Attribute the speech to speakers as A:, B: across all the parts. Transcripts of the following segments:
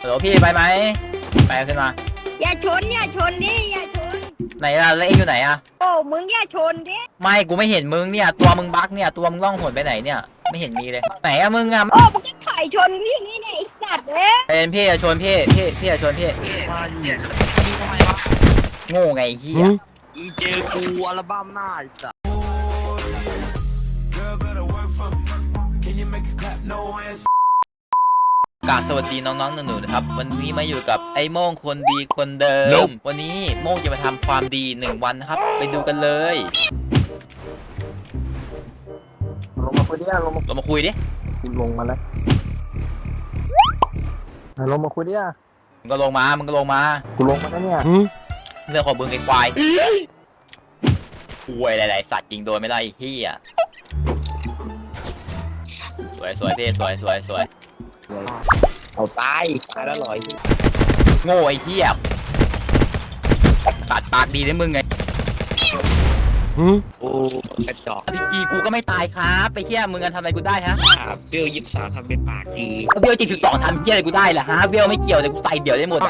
A: ฮัลโหลพี่ไปไหมไปขึ้นมา
B: อย่าชนดิอย่าชน
A: ไหนล่ะแล้วเองอยู่ไหนอะ
B: โอ้มึงอย่าชนดิ
A: ไม่กูไม่เห็นมึงเนี่ยตัวมึงบั๊กเนี่ยตัวมึงล่องหนไปไหนเนี่ยไม่เห็นมีเลยไหนอะมึงอะ
B: โอ้มึงจะถ่ายชนนี่เนี่ยไอ้สัตว์เนี่ย
A: เป็นพี่จะชวนพี่จะชวนพี่โง่ไงเฮีย
C: อีเจอกูอัลบั้มหน้าไอ้สัส
A: กราบสวัสดีน้องๆหนูๆนะครับวันนี้มาอยู่กับไอ้โม่งคนดีคนเดิม วันนี้โม่งจะมาทำความดี1 วันนะครับไปดูกันเลย
D: ลงมาคุยดิลงมา
A: เรามาคุยดิ
D: ลงมาแล้วลงมาคุยดิ
A: มึงก็ลงมา
D: กูลงมาแล้วเนี่ย
A: เรื่องของมึงไอ้ควายป่วยหลายๆสัตว์ยิงโดนไม่ได้ไอ้เหี้ยสวยพี่สวย
C: เอาตายแล้วลอย
A: โง่ไอ้เหี้ยตัดปากดีได้มึงไง
C: โอ้กระจอก
A: ดีกีกูก็ไม่ตายครับไปเหี้ยมึงกันทำอะไรกูได้ฮะ
C: เบล23ทำเป็นปากดี
A: เบล72ทำเหี้ยอะไรกูได้ล่ะฮะเบลไม่เกี่ยวเลยกูใส่เดี่ยวได้หมด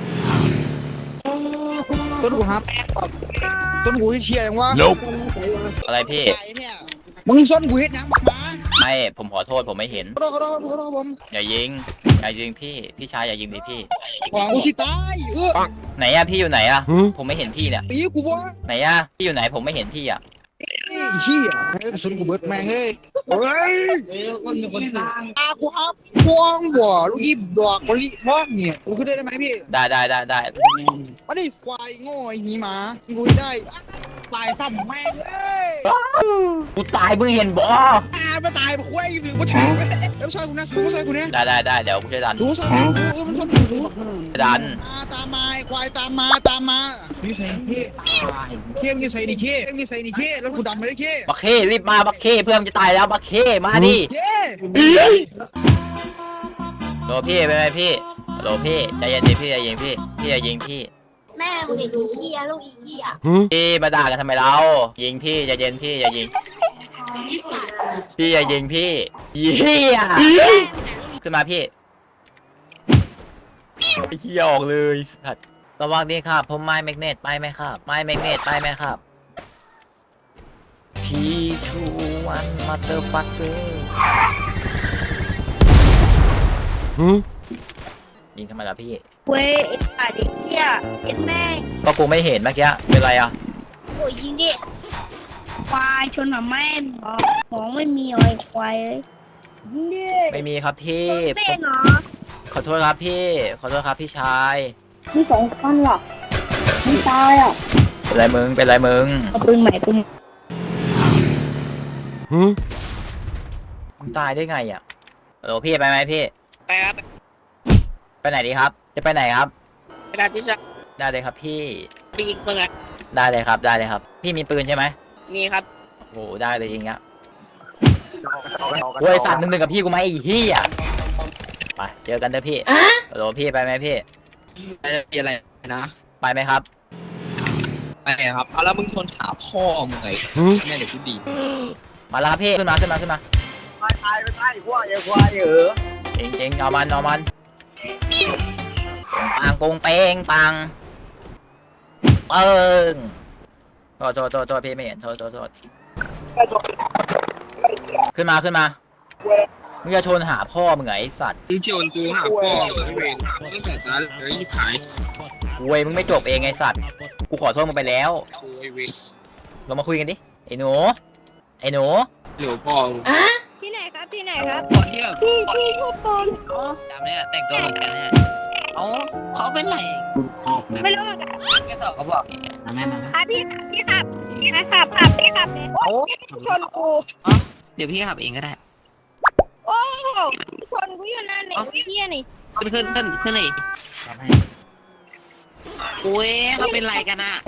D: ต้นกูฮับต้นกูเชียร์ยังวะ
A: อะไรพี่
D: มึงส้นกูเฮ็ดยังมา
A: ไม่ผมขอโทษผมไม่เห็น
D: ขอโทษผม
A: อย่ายิงพี่ชายอย่ายิงดิพี่
D: ของกูสิตาย
A: ไหนอะพี่อยู่ไหนอะผมไม่เห็นพี่เนี่ย
D: ตีกูวะ
A: ไหนอะพี่อยู่ไหนผมไม่เห็นพี่อะ
D: นี่เชี่ยส้นกูเบิดแม่งเลยเฮ้ยคนกูฮับพวงบ่ลูกอีดอกมะลิพอกเนี่ยกูขึ้นได้ไหมพี่
A: ได้
D: มาดิควายโง่ไอ้หีหมากูได้ตายซ้ำแม่งเลย
A: กูตายมึงเห็นบ่
D: มาตายมาคุยหรือมาถึงแล้วช่วยกูนะสู้ช่วยกูเนี่ย
A: ได้เดี๋ยวกูจะดัน
D: สู้มันชน
A: ดัน
D: ตามมาควายตามมานี่ใส่เข้มนี่ใส่ดิเข้แล้วกูดำไม่ได้เข้
A: บักเข้รีบมาบักเข้เพื่อนจะตายแล้วบักเข้มาดิโหลพี่เป็นไงพี่โหลพี่ใจเย็นดิพี่อย่ายิงพี่อย่ายิงพี่
B: แม่มึงอีเหี้ยลูกอีเหี้ย
A: พี่มาด่ากันทำไมเรายิงพี่ใจเย็นพี่อย่ายิงพี่อย่ายิงพี่เหี้ยขึ้นมาพี่เหี้ยออกเลยสัตว์ระวังดีครับผมไม้แมกเนตไปไหมครับไม้แมกเนตไปไหมครับT21 motherfucker ยิงทำไมล่ะพี่
B: เว้ยไอ้สัตว์ไอ้เหี้ยเห็นแม่ง
A: ก็กูไม่เห็นเมื่อกี้เป็นไรอ่ะ
B: โอ้ยยิงดิควายชนหมาแม่ของไม่มีอะไรควายเลยยิงดิ
A: ไม่มีครับพี่ขอโทษครับพี่พี่ชาย
B: มี2 คนหรอไม่ตายอ่ะ
A: เป็นไรมึง
B: เอาปืนใหม่กู
A: มึงตายได้ไงอ่ะโอ้พี่ไปไหมพี่
C: ไปครับ
A: ไปไหนดีครับจะไปไหนครับ
C: ไปดับที่จะ
A: ได้เลยครับพี่
C: ไปยิงปืน
A: ได้เลยครับพี่มีปืนใช่ไหม
C: มีครับ
A: โอ้ได้เลยจริงอ่ะโวยสั่น1-1กับพี่กูไหมไอ้เหี้ยไปเจอกันเด้อพี่โหลพี่ไปไหมพี่
D: อะไรนะ
A: ไปไหมครับ
D: ไปครับเอาแล้วมึงทนถามพ่อมึงไงแม่เดี๋ยวกูดี
A: มาแล้วครับพี่ขึ้นมา
D: ตายไม่ได้ควาย
A: จริงเอามันปังปงเป้งปังเปิ้งโทษพี่ไม่เห็นโทษขึ้นมามึงจะชนหาพ่อมึงไงไอ้สัตว์
C: มึงชนกูหาพ่อไม่เป็นไม่แต่สารเลยยิ่งขาย
A: เว้ยมึงไม่จบเองไงสัตว์กูขอโทษมึงไปแล้วเรามาคุยกันดิไอ้หนู
C: พ่อ
B: ที่ไหนครับ
C: คนที่แบบ
B: พี่พูดตรง
C: ดำเนี่ยแต่งตัวเหมือนกันเนี่ยเขาเป็นไร
B: ไม่รู้อ่ะ
C: แค่สอบเขาบอกแม่มา
B: ครับพี่ขับเลยโอ้ชนกู
C: เดี๋ยวพี่ขับเองก็ได้
B: โอ้ชนกูอยู่นั่นเนี่ยเหี้ยนี่
C: ขึ้นเลยโอ้ยเขาเป็นไรกันอ่ะ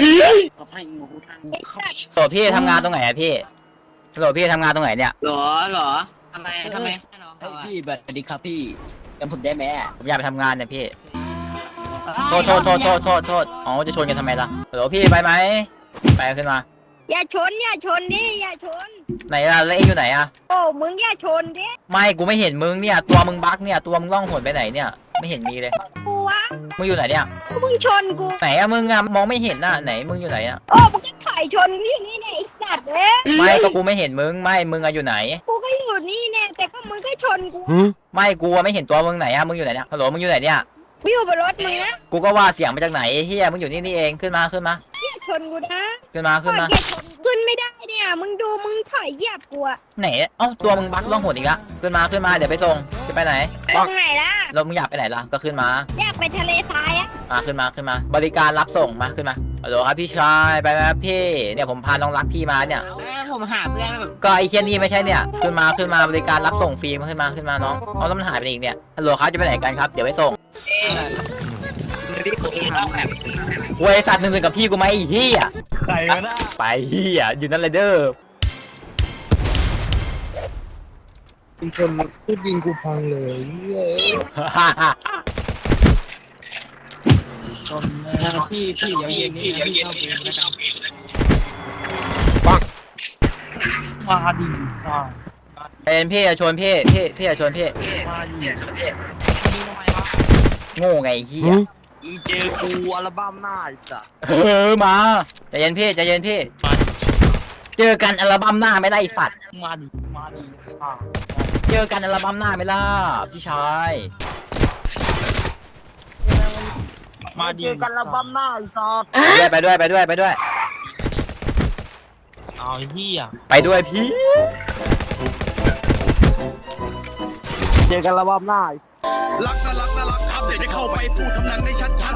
A: ตัวพี่ทำงานตรงไหนอะพี่ตัวพี่ทำงานตรงไหนเนี่ย
C: หรอทำไม
D: พี่สวัสดีครับพี่จำผมได้ไหม
A: ผมอยากไปทำงานเนี่ยพี่โทษอ๋อจะชนกันทำไมล่ะเดี๋ยวพี่ไปไหมไปขึ้นมา
B: อย่าชนดิอย่าชน
A: ไหนล่ะแล้วเองอยู่ไหนอะ
B: โอ้มึงอย่าชนดิ
A: ไม่กูไม่เห็นมึงเนี่ยตัวมึงบั๊กเนี่ยตัวมึงล่องหนไปไหนเนี่ยไม่เห็นมีเลย
B: กูวะ
A: มึงอยู่ไหนเนี่ย
B: มึงชนกู
A: ไหนอะมึงอะมองไม่เห็นน่ะไหนมึงอยู่ไหนอะ
B: โอ้มึงก็ถอยชนกูอยู่นี่เนี่ยไอ้สัตว์เอ้ย
A: ไม่ก็กูไม่เห็นมึงไม่มึงอะอยู่ไหน
B: กูก็อยู่นี่เนี่ยแต่ก็มึงก็ชนกู
A: ไม่กูอะไม่เห็นตัวมึงไหนอะมึงอยู่ไหนเนี่ยฮัลโหลมึงอยู่ไหนเนี่ย
B: กูอยู่บนรถมึงนะ
A: กูก็ว่าเสียงมาจากไหนเฮียมึงอยู่นี่เองขึ้นมา
B: เหี้ยชนกูนะ
A: ขึ้นมา
B: ถอยเหยียบชนขึ้นไม่ได้เนี่ยมึงดูมึงถอยเหยียบกูอะ
A: ไหนเอ้าตัวมึงบักล่องหนอีกละขึ้นมาเดี๋ยวไปส่งจะไปไหน
B: ตรงไหนล่ะ
A: รถมึงอยากไปไหนล่ะก็ขึ้นมา
B: อยากไปทะเลทรายอะ
A: ขึ้นมาบริการรับส่งมาขึ้นมาฮัลโหลครับพี่ชายไปไหมครับพี่เนี่ยผมพาน้องรักพี่มาเนี่ย
C: ผมหาเพื่อนแบบ
A: ก็ไอ้เคียนี่ไม่ใช่เนี่ยขึ้นมาบริการรับส่งฟรีมาขึ้นมาน้องเอาแล้วมันหายไปไหนอีกเนี่ยฮัลโหลครับจะไปไหนกันครับเดี๋ยวไปส่ง เวยสัตว์หนึ่งกับพี่กูไหมไอ้เหี้ย
E: ใครก็ได้
A: ไปเหี้ยอยู่นั่นเลยเด้อ
D: มึงชนพูดยิงกูพังเลยเหี้ย
E: พี่อย่าเย็นพี่อย่าเย็นนะครับมาดิซ่า
A: เป็นพี่จะชวนพี่จะชวนพี่
E: มาดินี่ทำไมวะ
A: โง่ไงไอ้เหี้ย
E: อีเจอกูอัลบั้มหน้าไอ้สัส
A: มาใจเย็นพี่
E: มาดิ
A: เจอกันอัลบั้มหน้าไม่ได้ไอ้สัตว์
E: มาดิซ่า
A: เจอกันอัลบั้มหน้าไม่ล่ะพี่ชาย
E: มาดิกันอัลบั้มหน้าไอ้สัส
A: ไปด้วย
E: เอาไอ้เหี้ย
A: ไปด้วยพี่
E: เจอกันอัลบั้มหน้า
F: รักนะรักนะรักครับเดี๋ยวจะเข้าไปพูดคำนั้นได้ชัด